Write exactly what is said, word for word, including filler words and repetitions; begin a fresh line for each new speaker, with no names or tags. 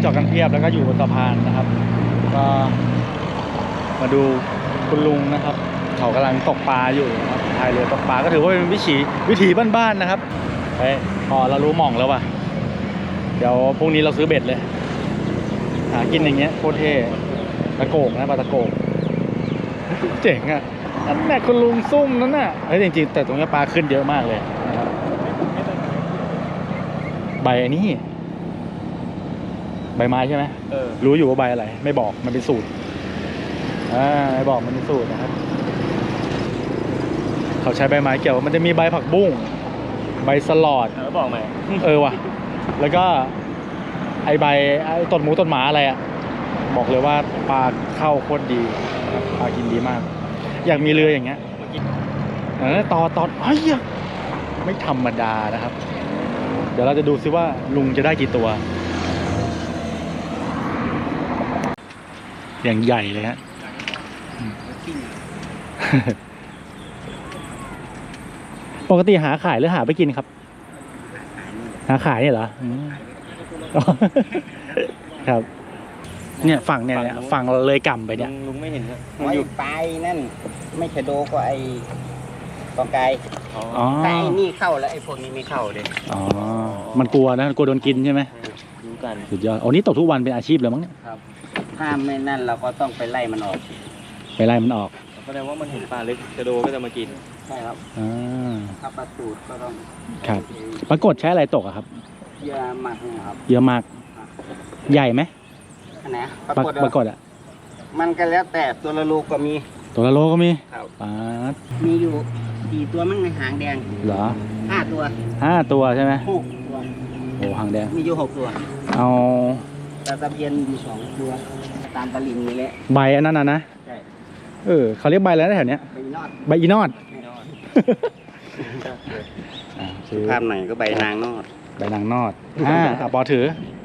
จอดกันเพียบแล้วก็อยู่บนสะพานนะครับก็มาดูคุณลุงนะครับเขากำลังตกปลาอยู่นะครับพายเรือตกปลาก็ถือว่าเป็นวิถีวิถีบ้านๆนะครับไปพอเรารู้หม่องแล้วว่ะเดี๋ยวพรุ่งนี้เราซื้อเบ็ดเลยหากินอย่างเงี้ยโคตรเท่ตะโกกนะปลาตะโกกเจ๋งอ่ะนั่นแหละคุณลุงซุ่มนั่นน่ะเฮ้ยจริงๆแต่ตรงนี้ปลาขึ้นเยอะมากเลยนะครับใบอันนี้ใบไม้ใช่ไหมเออรู้อยู่ว่าใบอะไรไม่บอกมันเป็นสูตรอ่าไม่บอกมันเป็นสูตรนะครับเขาใช้ใบไม้เกี่ยวมันจะมีใบผักบุ้งใบสลอดเออบอกไหมเออว่ะแล้วก็ไอใบไอต้นหมูต้นหมาอะไรอ่ะบอกเลยว่าปลาเข้าโคตรดีนะครับปลากินดีมากอยากมีเรืออย่างเงี้ยเออต่อต่อเฮ้ยไม่ธรรมดานะครับเดี๋ยวเราจะดูซิว่าลุงจะได้กี่ตัวอย่างใหญ่เลยฮะปกติหาขายหรือหาไปกินครับหาขายเนี่ยเหรอครับเนี่ยฝั่งเนี่ยฝั่งเลยกำไปเนี่ยลุงไม่เห็น
มันอยู่ปลายนั่นไม่ใช่โดก็ไอ้กอไก่แต่ไอ้นี่เข้าแล้วไอ้พวกนี้ไม่เข้าเลย
อ๋อมันกลัวนะกลัวโดนกินใช่ไหมรู้กันสุดยอดอ๋อนี่ตกทุกวันเป็นอาชีพเลยมั้งเนี่ย
ครับถ้าไม่นั่นเราก็ต้องไปไล่มันออก
ไปไล่มันออก
แสดงว่ามันเห็นปลาเล็กชะโดก็จะมากิน
ใช่ครับ
อ่า
ถ้าปลาสูตรก็ต้อง
ครับปรากฏใช้อะไรตกอะครับ
เยอะมากนะครับ
เยอะมากใหญ่ไหม
อันไหน
ปรากฏปรากฏอะ
มันก็แล้วแต่ตัวละโลก็มี
ตัวละโลก็มี
ครับ
ปลา
มีอยู่สี่ตัวมั้งในหางแดง
เหรอ
ห้าตัว
ห้าตัวใช่ไหม
หกตัว
โอ้หางแดง
มีอยู่หกตัว
เอา
ตาตะเพียนมีสองตัวตามตะลิงนี่แหละ
ใบอันนั้นนะนะ
ใช่
เออเขาเรียกใบอะไรนะแถวเนี้ย
ใบอีนอด
ใบอีนอด
ภาพไหนก็ใบนางนอด
ใบนางนอดอ่าปอถือ